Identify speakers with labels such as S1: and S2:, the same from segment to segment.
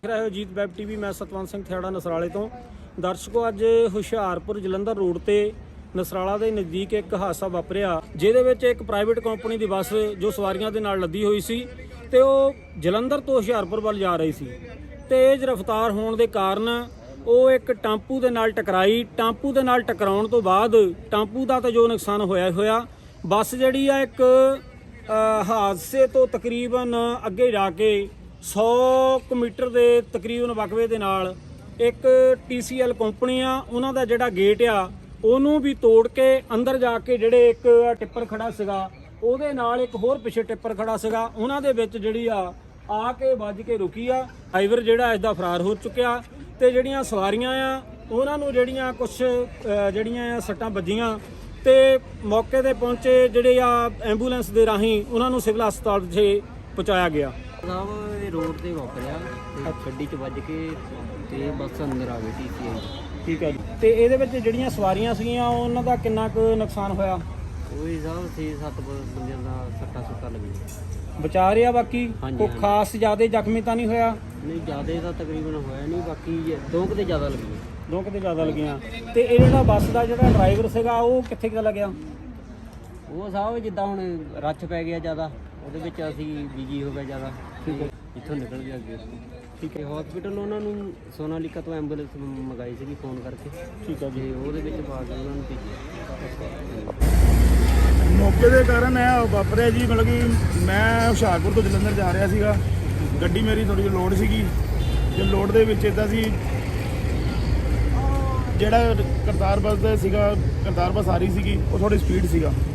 S1: ਰਿਹਾ ਹੈ Ajit web TV. ਮੈਂ ਸਤਵੰਤ ਸਿੰਘ ਥਿਆੜਾ ਨਸਰਾਲੇ ਤੋਂ। ਦਰਸ਼ਕੋ, ਅੱਜ ਹੁਸ਼ਿਆਰਪੁਰ ਜਲੰਧਰ ਰੋਡ ਤੇ ਨਸਰਾਲਾ ਦੇ ਨਜ਼ਦੀਕ ਇੱਕ ਹਾਦਸਾ ਵਾਪਰਿਆ, ਜਿਹਦੇ ਵਿੱਚ ਇੱਕ ਪ੍ਰਾਈਵੇਟ ਕੰਪਨੀ ਦੀ ਬੱਸ ਜੋ ਸਵਾਰੀਆਂ ਦੇ ਨਾਲ ਲੱਦੀ ਹੋਈ ਸੀ ਤੇ ਉਹ ਜਲੰਧਰ ਤੋਂ ਹੁਸ਼ਿਆਰਪੁਰ ਵੱਲ ਜਾ ਰਹੀ ਸੀ। ਤੇਜ਼ ਰਫ਼ਤਾਰ ਹੋਣ ਦੇ ਕਾਰਨ ਉਹ ਇੱਕ ਟੈਂਪੂ ਦੇ ਨਾਲ ਟਕਰਾਈ। ਟੈਂਪੂ ਦੇ ਨਾਲ ਟਕਰਾਉਣ ਤੋਂ ਬਾਅਦ ਟੈਂਪੂ ਦਾ ਤਾਂ ਜੋ ਨੁਕਸਾਨ ਹੋਇਆ ਬੱਸ ਜਿਹੜੀ ਆ ਇੱਕ ਹਾਦਸੇ ਤੋਂ ਤਕਰੀਬਨ ਅੱਗੇ ਜਾ ਕੇ 100 ਮੀਟਰ ਦੇ ਤਕਰੀਬਨ ਵਕਵੇ ਦੇ ਨਾਲ ਇੱਕ TCL ਕੰਪਨੀ ਆ, ਉਹਨਾਂ ਦਾ ਜਿਹੜਾ ਗੇਟ ਆ ਉਹਨੂੰ ਵੀ ਤੋੜ ਕੇ ਅੰਦਰ ਜਾ ਕੇ ਜਿਹੜੇ ਇੱਕ ਟਿੱਪਰ ਖੜਾ ਸੀਗਾ ਉਹਦੇ ਨਾਲ ਇੱਕ ਹੋਰ ਪਿੱਛੇ ਟਿੱਪਰ ਖੜਾ ਸੀਗਾ, ਉਹਨਾਂ ਦੇ ਵਿੱਚ ਜਿਹੜੀ ਆ ਕੇ ਵੱਜ ਕੇ ਰੁਕੀ ਆ। ਡਰਾਈਵਰ ਜਿਹੜਾ ਇਸ ਦਾ ਫਰਾਰ ਹੋ ਚੁੱਕਿਆ ਤੇ ਜਿਹੜੀਆਂ ਸਵਾਰੀਆਂ ਆ ਉਹਨਾਂ ਨੂੰ ਜਿਹੜੀਆਂ ਕੁਝ ਜਿਹੜੀਆਂ ਸੱਟਾਂ ਵੱਜੀਆਂ ਤੇ ਮੌਕੇ ਤੇ ਪਹੁੰਚੇ ਜਿਹੜੇ ਐਂਬੂਲੈਂਸ ਦੇ ਰਾਹੀਂ ਉਹਨਾਂ ਨੂੰ ਸਿਵਲ ਹਸਪਤਾਲ ਵਿੱਚ ਪਹੁੰਚਾਇਆ ਗਿਆ।
S2: ਸਾਹਿਬ ਇਹ ਰੋਡ ਤੇ ਵਾਪਰਿਆ ਤੇ ਗੱਡੀ 'ਚ ਵੱਜ ਕੇ ਤੇ ਬੱਸ ਅੰਦਰ ਆ ਗਈ TCL।
S1: ਠੀਕ ਹੈ ਜੀ। ਤੇ ਇਹਦੇ ਵਿੱਚ ਜਿਹੜੀਆਂ ਸਵਾਰੀਆਂ ਸੀਗੀਆਂ ਉਹਨਾਂ ਦਾ ਕਿੰਨਾ ਕੁ ਨੁਕਸਾਨ ਹੋਇਆ?
S2: ਉਹੀ ਸਾਹਿਬ 6-7 ਬੰਦਿਆਂ ਦਾ ਸੱਟਾਂ ਲੱਗੀਆਂ।
S1: ਬਚਾ ਰਿਹਾ ਬਾਕੀ? ਕੋਈ ਖਾਸ ਜ਼ਿਆਦਾ ਜ਼ਖਮੀ ਤਾਂ ਨਹੀਂ ਹੋਇਆ?
S2: ਨਹੀਂ, ਜ਼ਿਆਦਾ ਤਾਂ ਤਕਰੀਬਨ ਹੋਇਆ ਨਹੀਂ, ਬਾਕੀ ਦੋ ਕੁ ਤੇ ਜ਼ਿਆਦਾ ਲੱਗੀਆਂ।
S1: ਦੋ ਕਿਤੇ ਜ਼ਿਆਦਾ ਲੱਗੀਆਂ। ਤੇ ਇਹ ਜਿਹੜਾ ਬੱਸ ਦਾ ਜਿਹੜਾ ਡਰਾਈਵਰ ਸੀਗਾ ਉਹ ਕਿੱਥੇ ਚਲਾ ਗਿਆ?
S2: ਉਹ ਸਾਹਿਬ ਜਿੱਦਾਂ ਹੁਣ ਰੱਛ ਪੈ ਗਿਆ ਜ਼ਿਆਦਾ, ਉਹਦੇ ਵਿੱਚ ਅਸੀਂ ਬਿਜੀ ਹੋ ਗਏ ਜ਼ਿਆਦਾ।
S1: ਠੀਕ ਹੈ।
S2: ਇੱਥੋਂ ਨਿਕਲ ਗਿਆ ਅੱਗੇ।
S1: ਠੀਕ ਹੈ।
S2: ਹਸਪੀਟਲ ਉਹਨਾਂ ਨੂੰ ਸੋਨਾਲੀਕਾ ਤੋਂ ਐਂਬੂਲੈਂਸ ਮੰਗਾਈ ਸੀਗੀ ਫੋਨ ਕਰਕੇ।
S1: ਠੀਕ ਹੈ ਜੀ।
S2: ਤੇ ਉਹਦੇ ਵਿੱਚ ਪਾ ਕੇ ਉਹਨਾਂ ਨੂੰ
S3: ਮੌਕੇ ਦੇ ਕਾਰਨ ਇਹ ਵਾਪਰਿਆ ਜੀ। ਮਤਲਬ ਕਿ ਮੈਂ ਹੁਸ਼ਿਆਰਪੁਰ ਤੋਂ ਜਲੰਧਰ ਜਾ ਰਿਹਾ ਸੀਗਾ, ਗੱਡੀ ਮੇਰੀ ਥੋੜੀ ਜਿਹੀ ਲੋਡ ਸੀਗੀ ਤੇ ਲੋਡ ਦੇ ਵਿੱਚ ਇੱਦਾਂ ਸੀ ਜਿਹੜਾ ਕਰਤਾਰ ਬੱਸ ਦਾ ਸੀਗਾ, ਕਰਤਾਰ ਬੱਸ ਆ ਰਹੀ ਸੀਗੀ, ਉਹ ਥੋੜੀ ਸਪੀਡ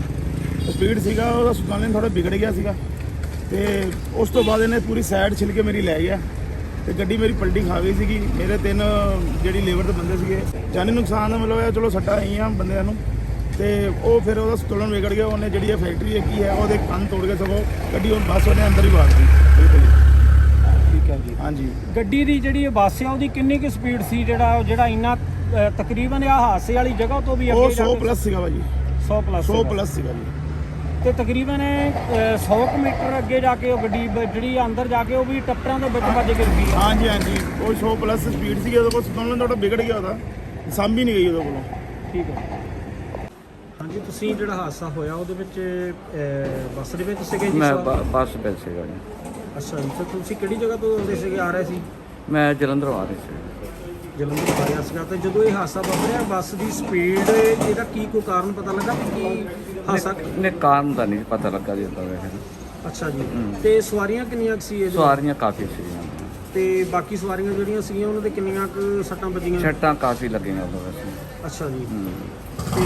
S3: ਸੀਗਾ ਉਹਦਾ ਸੰਤੁਲਨ ਥੋੜਾ ਵਿਗੜ ਗਿਆ ਸੀਗਾ ਤੇ ਉਸ ਤੋਂ ਬਾਅਦ ਇਹਨੇ ਪੂਰੀ ਸਾਈਡ ਛਿਲ ਕੇ ਮੇਰੀ ਲੈ ਗਿਆ ਤੇ ਗੱਡੀ ਮੇਰੀ ਪਲਟੀ ਖਾ ਗਈ ਸੀਗੀ। ਮੇਰੇ 3 ਜਿਹੜੀ ਲੇਬਰ ਦੇ ਬੰਦੇ ਸੀਗੇ, ਜਾਨੀ ਨੁਕਸਾਨ ਮਤਲਬ ਇਹ ਚਲੋ ਸੱਟਾਂ ਆਈਆਂ ਬੰਦਿਆਂ ਨੂੰ ਤੇ ਉਹ ਫਿਰ ਉਹਦਾ ਸੰਤੁਲਨ ਵਿਗੜ ਗਿਆ। ਉਹਨੇ ਜਿਹੜੀ ਇਹ ਫੈਕਟਰੀ ਕੀ ਹੈ ਉਹਦੇ ਕੰਨ ਤੋੜ ਕੇ ਸਗੋਂ ਗੱਡੀ ਉਹ ਬੱਸ ਉਹਨੇ ਅੰਦਰ ਹੀ ਵਾੜ ਦਿੱਤੀ। ਬਿਲਕੁਲ
S1: ਠੀਕ ਹੈ ਜੀ।
S3: ਹਾਂਜੀ।
S1: ਗੱਡੀ ਦੀ ਜਿਹੜੀ ਬੱਸ ਆ ਉਹਦੀ ਕਿੰਨੀ ਕੁ ਸਪੀਡ ਸੀ ਜਿਹੜਾ ਇੰਨਾ ਤਕਰੀਬਨ ਹਾਦਸੇ ਵਾਲੀ ਜਗ੍ਹਾ ਤੋਂ ਵੀ
S3: ਉਹ 100 ਪਲੱਸ ਸੀਗਾ ਭਾਜੀ।
S1: 100 ਪਲੱਸ
S3: ਸੀਗਾ ਜੀ।
S1: ਤੇ ਤਕਰੀਬਨ 100 ਮੀਟਰ ਅੱਗੇ ਜਾ ਕੇ ਉਹ ਗੱਡੀ ਜਿਹੜੀ ਅੰਦਰ ਜਾ ਕੇ ਉਹ ਵੀ ਟੱਪਰਾਂ ਦੇ ਵਿੱਚ ਵੱਜ ਕੇ ਰੁਕੀ।
S3: ਹਾਂਜੀ। ਉਹ 100 ਪਲੱਸ ਸਪੀਡ ਸੀਗੀ, ਉਹਦੇ ਕੋਲ ਸੰਤੁਲਨ ਥੋੜਾ ਵਿਗੜ ਗਿਆ, ਉਹਦਾ ਸਾਂਭੀ ਨਹੀਂ ਗਈ ਉਹਦੇ ਕੋਲੋਂ।
S1: ਠੀਕ ਹੈ। ਹਾਂਜੀ, ਤੁਸੀਂ ਜਿਹੜਾ ਹਾਦਸਾ ਹੋਇਆ ਉਹਦੇ ਵਿੱਚ ਬੱਸ ਦੇ ਵਿੱਚ ਸੀਗੇ ਜੀ?
S4: ਮੈਂ ਬੱਸ ਵਿੱਚ ਸੀਗਾ ਜੀ।
S1: ਅੱਛਾ ਜੀ। ਤੇ ਤੁਸੀਂ ਕਿਹੜੀ ਜਗ੍ਹਾ ਤੋਂ ਆਉਂਦੇ ਸੀਗੇ, ਆ ਰਹੇ ਸੀ?
S4: ਮੈਂ ਜਲੰਧਰ ਆ ਰਹੀ ਸੀ।
S1: ਜਲੰਧਰ ਆ ਰਿਹਾ ਸੀਗਾ। ਤੇ ਜਦੋਂ ਇਹ ਹਾਦਸਾ ਵਾਪਰਿਆ ਬੱਸ ਦੀ ਸਪੀਡ, ਇਹਦਾ ਕੀ ਕੋਈ ਕਾਰਨ ਪਤਾ ਲੱਗਾ ਕਿ ਹਾਦਸਾ?
S4: ਨੇ ਕਾਰਨ ਦਾ ਨਹੀਂ ਪਤਾ ਲੱਗਾ ਜੀ ਤਾਂ ਵੈਸੇ।
S1: ਅੱਛਾ ਜੀ। ਤੇ ਸਵਾਰੀਆਂ ਕਿੰਨੀਆਂ ਕੁ ਸੀ ਇਹਦੇ?
S4: ਸਵਾਰੀਆਂ ਕਾਫੀ ਸੀਗੀਆਂ
S1: ਤੇ ਬਾਕੀ ਸਵਾਰੀਆਂ ਜਿਹੜੀਆਂ ਸੀਗੀਆਂ ਉਹਨਾਂ ਦੇ ਕਿੰਨੀਆਂ ਕੁ ਸੱਟਾਂ ਵੱਜੀਆਂ?
S4: ਸੱਟਾਂ ਕਾਫੀ ਲੱਗੀਆਂ ਉਹਦੇ ਵੈਸੇ।
S1: ਅੱਛਾ ਜੀ। ਤੇ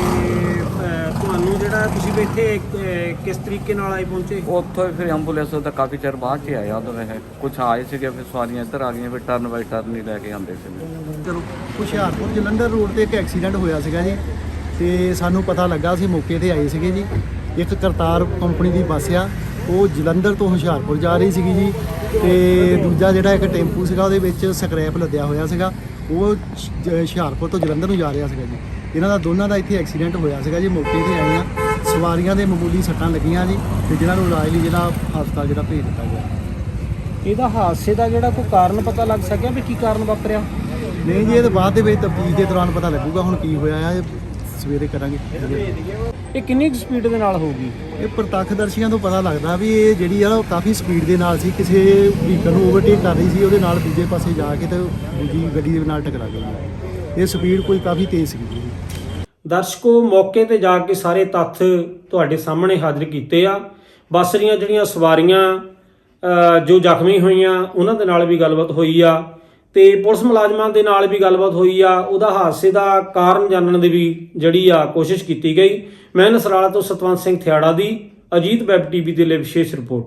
S1: ਤੁਹਾਨੂੰ ਜਿਹੜਾ ਤੁਸੀਂ ਵੀ ਇੱਥੇ ਕਿਸ ਤਰੀਕੇ ਨਾਲ ਆਏ ਪਹੁੰਚੇ?
S4: ਉੱਥੋਂ ਹੀ ਫਿਰ ਐਂਬੂਲੈਂਸ ਦਾ ਕਾਫੀ ਚਿਰ ਬਾਅਦ 'ਚ ਆਇਆ ਉਹਦੇ ਵੈਸੇ। ਕੁਛ ਆਏ ਸੀਗੇ, ਫਿਰ ਸਵਾਰੀਆਂ ਇੱਧਰ ਆ ਗਈਆਂ, ਫਿਰ ਟਰਨ ਬਾਈ ਟਰਨ ਹੀ ਲੈ ਕੇ ਆਉਂਦੇ ਸੀ।
S5: ਚਲੋ, ਹੁਸ਼ਿਆਰਪੁਰ ਜਲੰਧਰ ਰੋਡ ਤੇ ਇੱਕ ਐਕਸੀਡੈਂਟ ਹੋਇਆ ਸੀਗਾ ਜੀ ਤੇ ਸਾਨੂੰ ਪਤਾ ਲੱਗਾ, ਅਸੀਂ ਮੌਕੇ ਤੇ ਆਏ ਸੀਗੇ ਜੀ। ਇੱਕ ਕਰਤਾਰ ਕੰਪਨੀ ਦੀ ਬੱਸ ਆ, ਉਹ ਜਲੰਧਰ ਤੋਂ ਹੁਸ਼ਿਆਰਪੁਰ ਜਾ ਰਹੀ ਸੀਗੀ ਜੀ ਤੇ ਦੂਜਾ ਜਿਹੜਾ ਇੱਕ ਟੈਂਪੂ ਸੀਗਾ ਉਹਦੇ ਵਿੱਚ ਸਕ੍ਰੈਪ ਲੱਦਿਆ ਹੋਇਆ ਸੀਗਾ, ਉਹ ਹੁਸ਼ਿਆਰਪੁਰ ਤੋਂ ਜਲੰਧਰ ਨੂੰ ਜਾ ਰਿਹਾ ਸੀਗਾ ਜੀ। ਇਹਨਾਂ ਦਾ ਦੋਨਾਂ ਦਾ ਇੱਥੇ ਐਕਸੀਡੈਂਟ ਹੋਇਆ ਸੀਗਾ ਜੀ। ਮੌਕੇ ਤੇ ਆਏ ਆ, ਸਵਾਰੀਆਂ ਦੇ ਮਾਮੂਲੀ ਸੱਟਾਂ ਲੱਗੀਆਂ ਜੀ ਤੇ ਜਿਹਨਾਂ ਨੂੰ ਇਲਾਜ ਲਈ ਜਿਹੜਾ ਹਸਪਤਾਲ ਜਿਹੜਾ ਭੇਜ ਦਿੱਤਾ ਗਿਆ।
S1: ਇਹਦਾ ਹਾਦਸੇ ਦਾ ਜਿਹੜਾ ਕੋਈ ਕਾਰਨ ਪਤਾ ਲੱਗ ਸਕਿਆ ਵੀ ਕੀ ਕਾਰਨ ਵਾਪਰਿਆ?
S5: ਨਹੀਂ ਜੀ, ਇਹ ਤਾਂ ਬਾਅਦ ਦੇ ਵਿੱਚ ਤਫਤੀਸ਼ ਦੇ ਦੌਰਾਨ ਪਤਾ ਲੱਗੂਗਾ ਹੁਣ ਕੀ ਹੋਇਆ ਆ, ਸਵੇਰੇ ਕਰਾਂਗੇ।
S1: ਇਹ ਕਿੰਨੀ ਕੁ ਸਪੀਡ ਦੇ ਨਾਲ ਹੋਊਗੀ?
S5: ਇਹ ਪ੍ਰਤੱਖਦਰਸ਼ੀਆਂ ਤੋਂ ਪਤਾ ਲੱਗਦਾ ਵੀ ਇਹ ਜਿਹੜੀ ਆ ਉਹ ਕਾਫੀ ਸਪੀਡ ਦੇ ਨਾਲ ਸੀ, ਕਿਸੇ ਵਹੀਕਲ ਨੂੰ ਓਵਰਟੇਕ ਕਰ ਰਹੀ ਸੀ, ਉਹਦੇ ਨਾਲ ਦੂਜੇ ਪਾਸੇ ਜਾ ਕੇ ਤੇ ਦੂਜੀ ਗੱਡੀ ਦੇ ਨਾਲ ਟਕਰਾ ਗਈ। ਇਹ ਸਪੀਡ ਕੋਈ ਕਾਫੀ ਤੇਜ਼ ਸੀ।
S1: ਦਰਸ਼ਕੋ, ਮੌਕੇ ਤੇ ਜਾ ਕੇ ਸਾਰੇ ਤੱਥ ਤੁਹਾਡੇ ਸਾਹਮਣੇ ਹਾਜ਼ਰ ਕੀਤੇ ਆ। ਬੱਸ ਦੀਆਂ ਜਿਹੜੀਆਂ ਸਵਾਰੀਆਂ ਜੋ ਜ਼ਖਮੀ ਹੋਈਆਂ ਉਹਨਾਂ ਦੇ ਨਾਲ ਵੀ ਗੱਲਬਾਤ ਹੋਈ ਆ ਤੇ ਪੁਲਿਸ ਮੁਲਾਜ਼ਮਾਂ ਦੇ ਨਾਲ ਵੀ ਗੱਲਬਾਤ ਹੋਈ ਆ। ਉਹਦਾ ਹਾਦਸੇ ਦਾ ਕਾਰਨ ਜਾਣਨ ਦੀ ਵੀ ਜਿਹੜੀ ਕੋਸ਼ਿਸ਼ ਕੀਤੀ ਗਈ। ਮੈਂ ਨਸਰਾਲਾ ਤੋਂ ਸਤਵੰਤ ਸਿੰਘ ਥਿਆੜਾ ਦੀ ਅਜੀਤ ਵੈਬ ਟੀਵੀ ਦੇ ਲਈ ਵਿਸ਼ੇਸ਼ ਰਿਪੋਰਟ।